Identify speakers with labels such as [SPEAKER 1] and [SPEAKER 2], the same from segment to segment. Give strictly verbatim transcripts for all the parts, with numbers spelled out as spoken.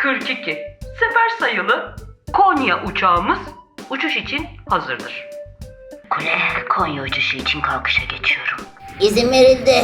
[SPEAKER 1] kırk iki sefer sayılı Konya uçağımız uçuş için hazırdır.
[SPEAKER 2] Kule, Konya uçuşu için kalkışa geçiyorum.
[SPEAKER 3] İzin verildi.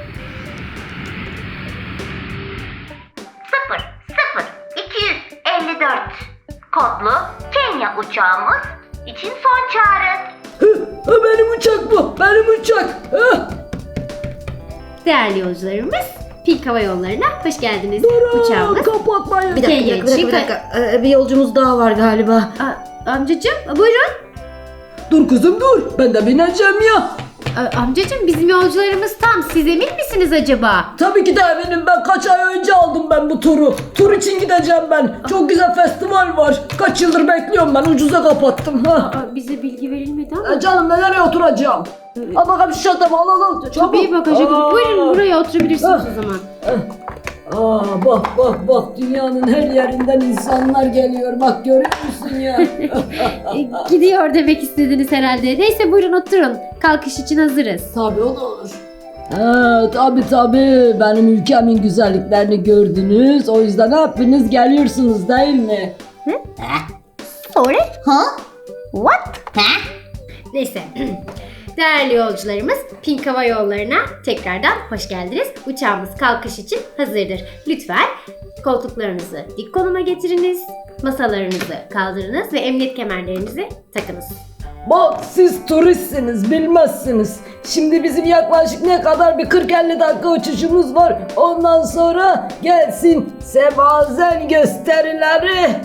[SPEAKER 2] sıfır sıfır iki yüz elli dört kodlu Kenya uçağımız için son çağrı.
[SPEAKER 4] Hı, benim uçak bu. Benim uçak. Hı.
[SPEAKER 5] Değerli yolcularımız, Pink Hava Yolları'na hoş geldiniz.
[SPEAKER 4] Durun,
[SPEAKER 5] Uçağımız.
[SPEAKER 4] kapatmayın.
[SPEAKER 3] Bir dakika, bir dakika, bir dakika, bir dakika. Ee, bir yolcumuz daha var galiba.
[SPEAKER 5] Aa, amcacığım, buyurun.
[SPEAKER 4] Dur kızım dur. Ben de bineceğim ya.
[SPEAKER 5] Aa, amcacığım, bizim yolcularımız tam. Siz emin misiniz acaba?
[SPEAKER 4] Tabii ki de eminim, ben kaç ay önce aldım ben bu turu. Tur için gideceğim ben. Çok güzel festival var. Kaç yıldır bekliyorum ben, ucuza kapattım. Ha.
[SPEAKER 5] Aa, bize bilgi verilmedi ama.
[SPEAKER 4] E canım, ben nereye oturacağım? Al bakalım şu çantamı, al al al. Çabuk.
[SPEAKER 5] Tabii bagaja
[SPEAKER 4] Aa.
[SPEAKER 5] Buyurun buraya oturabilirsiniz
[SPEAKER 4] Ah.
[SPEAKER 5] o zaman.
[SPEAKER 4] Aa, bak bak bak, dünyanın her yerinden insanlar geliyor. Bak, görüyor musun ya?
[SPEAKER 5] Ee, Gidiyor demek istediniz herhalde. Neyse buyurun oturun. Kalkış için hazırız.
[SPEAKER 4] Tabii, o da olur. Ha, tabii tabii, benim ülkemin güzelliklerini gördünüz. O yüzden hepiniz geliyorsunuz değil mi?
[SPEAKER 5] Sorry?
[SPEAKER 3] Ha?
[SPEAKER 5] What?
[SPEAKER 3] Ha?
[SPEAKER 5] Neyse. Değerli yolcularımız, Pink Hava Yolları'na tekrardan hoş geldiniz. Uçağımız kalkış için hazırdır. Lütfen koltuklarınızı dik konuma getiriniz, masalarınızı kaldırınız ve emniyet kemerlerinizi takınız.
[SPEAKER 4] Bak, siz turistsiniz, bilmezsiniz. Şimdi bizim yaklaşık ne kadar bir kırk elli dakika uçuşumuz var. Ondan sonra gelsin semazen gösterileri.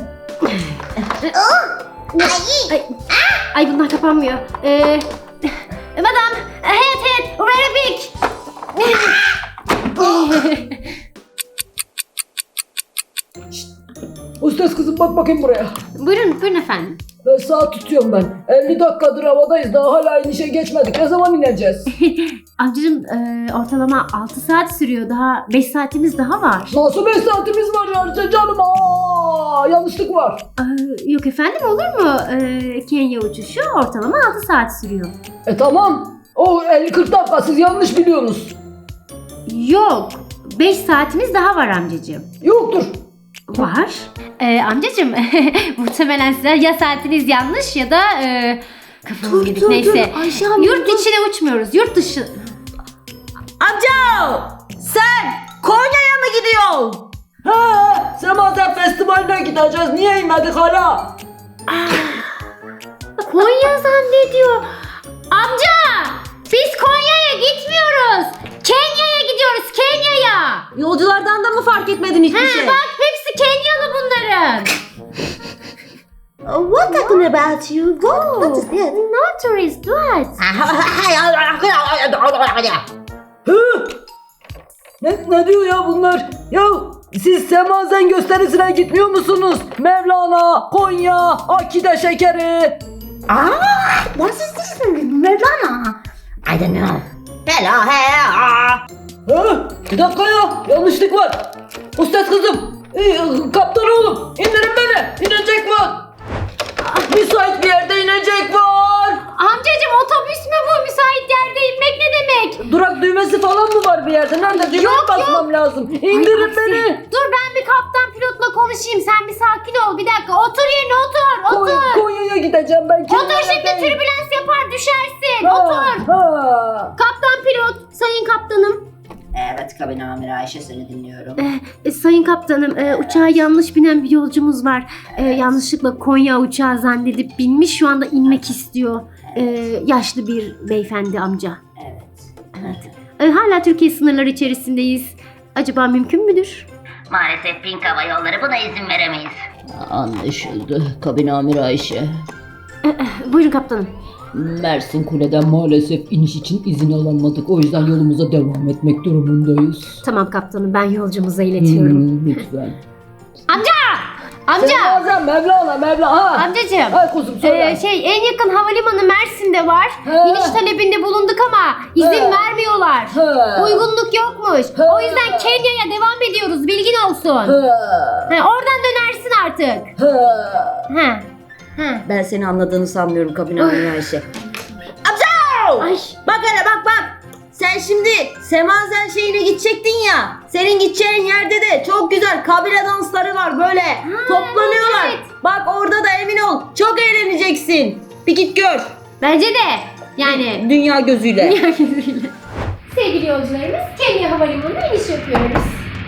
[SPEAKER 5] Ay, ay bunlar kapanmıyor. Ee, madam, head head, very big.
[SPEAKER 4] Ustas kızım, bak bakayım buraya.
[SPEAKER 5] Buyurun, buyurun efendim.
[SPEAKER 4] Ben saat tutuyorum ben. elli dakikadır havadayız, daha hala inişe geçmedik. Ne zaman ineceğiz?
[SPEAKER 5] Amcacığım e, ortalama altı saat sürüyor. Daha beş saatimiz daha var.
[SPEAKER 4] Nasıl beş saatimiz var ya canım? Aa, yanlışlık var.
[SPEAKER 5] Ee, yok efendim, olur mu? Ee, Kenya uçuşu ortalama altı saat sürüyor.
[SPEAKER 4] E tamam. O elli kırk dakika, siz yanlış biliyorsunuz.
[SPEAKER 5] Yok. beş saatimiz daha var amcacığım.
[SPEAKER 4] Yoktur.
[SPEAKER 5] Var. Ee, amcacığım muhtemelen size ya saatiniz yanlış ya da e, kafanız gidik. Neyse.
[SPEAKER 3] Ayşe hanım,
[SPEAKER 5] Yurt
[SPEAKER 3] dur.
[SPEAKER 5] içine uçmuyoruz. Yurt dışı.
[SPEAKER 3] Amca! Sen Konya'ya mı gidiyorsun?
[SPEAKER 4] He, Semazen Festivali'ne gideceğiz. Niye inmedik hala?
[SPEAKER 5] Konya zannediyor. Amca! Biz Konya'ya gitmiyoruz. Kenya'ya gidiyoruz. Kenya'ya.
[SPEAKER 3] Yolculardan da mı fark etmedin hiçbir
[SPEAKER 5] He,
[SPEAKER 3] şey?
[SPEAKER 5] bak hepsi Kenyalı bunların.
[SPEAKER 3] What talking about you? What, what is this?
[SPEAKER 5] No tourist, what?
[SPEAKER 4] Hı? Ne, ne diyor ya bunlar? Ya siz Semazen gösterisine gitmiyor musunuz? Mevlana, Konya, Akide şekeri.
[SPEAKER 3] Ah, what is this? Mevlana? I don't know. Hello, hello.
[SPEAKER 4] Hı? Bir dakika ya, yanlışlık var. Ustaz kızım, e, kaptan oğlum, indirin beni. İnecek var. Müsait bir yerde inecek var.
[SPEAKER 5] Amcacım otobüs mü bu? Müsait yerde inmek ne demek?
[SPEAKER 4] Durak düğmesi falan mı var bir yerde? Nerede? Düğmeye
[SPEAKER 5] Yok,
[SPEAKER 4] basmam lazım.
[SPEAKER 5] Ay,
[SPEAKER 4] İndirin
[SPEAKER 5] aksi.
[SPEAKER 4] beni.
[SPEAKER 5] Dur ben bir kaptan pilotla konuşayım. Sen bir sakin ol. Bir dakika. Otur yerine otur. Otur.
[SPEAKER 4] Koy- Konya'ya gideceğim ben.
[SPEAKER 5] Otur
[SPEAKER 4] Kenya'ya
[SPEAKER 5] şimdi,
[SPEAKER 4] değil.
[SPEAKER 5] türbülans yapar düşersin.
[SPEAKER 4] Ha,
[SPEAKER 5] Otur.
[SPEAKER 4] ha.
[SPEAKER 5] Kaptan pilot. Sayın kaptanım.
[SPEAKER 3] Evet, kabin amiri Ayşe, seni dinliyorum.
[SPEAKER 5] E, sayın kaptanım, e, uçağa yanlış binen bir yolcumuz var. E, yanlışlıkla Konya uçağı zannedip binmiş. Şu anda inmek istiyor. E, yaşlı bir beyefendi amca.
[SPEAKER 3] Evet.
[SPEAKER 5] E, hala Türkiye sınırları içerisindeyiz. Acaba mümkün müdür?
[SPEAKER 2] Maalesef Pink Hava Yolları buna izin veremeyiz.
[SPEAKER 4] Anlaşıldı. Kabin amiri Ayşe.
[SPEAKER 5] Buyurun kaptanım.
[SPEAKER 4] Mersin Kule'den maalesef iniş için izin alamadık. O yüzden yolumuza devam etmek durumundayız.
[SPEAKER 5] Tamam kaptanım, ben yolcumuza iletiyorum.
[SPEAKER 4] Hmm, lütfen.
[SPEAKER 5] Amca! Amca!
[SPEAKER 4] Sen bazen Mevlana, Mevlana. Ha.
[SPEAKER 5] Amcacığım.
[SPEAKER 4] Hay kuzum söyle.
[SPEAKER 5] Ee, şey en yakın havalimanı Mersin'de var.
[SPEAKER 4] He.
[SPEAKER 5] İniş talebinde bulunduk ama izin
[SPEAKER 4] He.
[SPEAKER 5] vermiyorlar.
[SPEAKER 4] He.
[SPEAKER 5] Uygunluk yokmuş.
[SPEAKER 4] He.
[SPEAKER 5] O yüzden Kenya'ya devam ediyoruz. Bilgin olsun.
[SPEAKER 4] Ha.
[SPEAKER 5] He, oradan dönersin artık.
[SPEAKER 4] Ha.
[SPEAKER 5] He. He.
[SPEAKER 3] Ben seni anladığını sanmıyorum kabin amiri Ayşe. Amca!
[SPEAKER 5] Ay.
[SPEAKER 3] Bak hele bak bak. sen şimdi Semazen şeyine gidecektin ya. Senin gideceğin yerde de çok güzel kabile dansları var böyle. Toplanıyorlar.
[SPEAKER 5] evet.
[SPEAKER 3] Bak orada da emin ol çok eğleneceksin. Bir git gör.
[SPEAKER 5] Bence de. Yani
[SPEAKER 3] Dünya gözüyle.
[SPEAKER 5] dünya gözüyle. Sevgili yolcularımız, Kenya Havalimanı'na iniş yapıyoruz.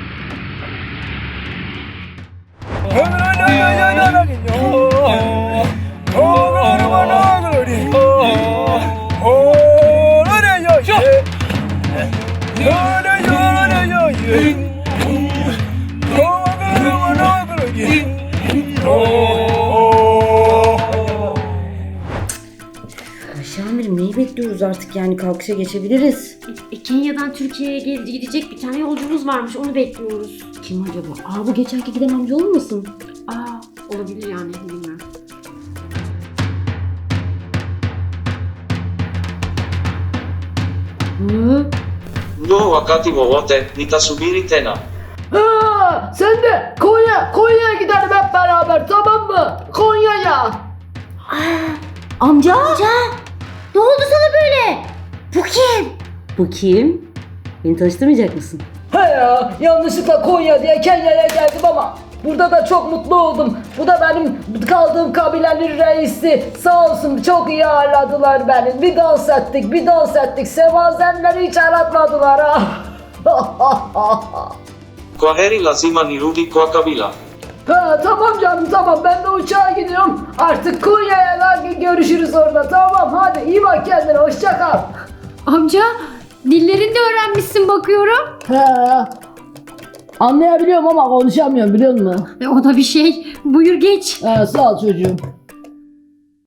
[SPEAKER 3] Ayşe amirim neyi bekliyoruz artık yani kalkışa geçebiliriz.
[SPEAKER 5] E, Kenya'dan Türkiye'ye gel- gidecek bir tane yolcumuz varmış, onu bekliyoruz.
[SPEAKER 3] Kim acaba? Aa bu geçenki giden amca olmasın?
[SPEAKER 5] Aa, olabilir yani, bilmiyorum.
[SPEAKER 3] Hı?
[SPEAKER 6] Ndio wakati wowote nitasubiri tena.
[SPEAKER 4] Ha, sen de Konya, Konya'ya gidelim hep beraber, tamam mı? Konya'ya.
[SPEAKER 3] Amca?
[SPEAKER 2] Ne oldu sana böyle? Bu kim?
[SPEAKER 3] Bu kim? Beni tanıştırmayacak mısın?
[SPEAKER 4] He ya, yanlışlıkla Konya diye Kenya'ya geldim ama burada da çok mutlu oldum. Bu da benim kaldığım kabilenin reisi. Sağ olsun çok iyi ağırladılar beni. Bir dans ettik, bir dans ettik. Semazenleri hiç aratmadılar ha.
[SPEAKER 6] Kwaheri lazima nirudi kwa kabila.
[SPEAKER 4] Ha, tamam canım tamam, ben de uçağa gidiyorum. Artık Konya'ya da görüşürüz orada, tamam hadi iyi bak kendine, hoşça kal.
[SPEAKER 5] Amca, dillerini de öğrenmişsin bakıyorum.
[SPEAKER 4] He, anlayabiliyorum ama konuşamıyorum biliyor musun?
[SPEAKER 5] E, o da bir şey. Buyur geç.
[SPEAKER 4] He, sağ ol çocuğum.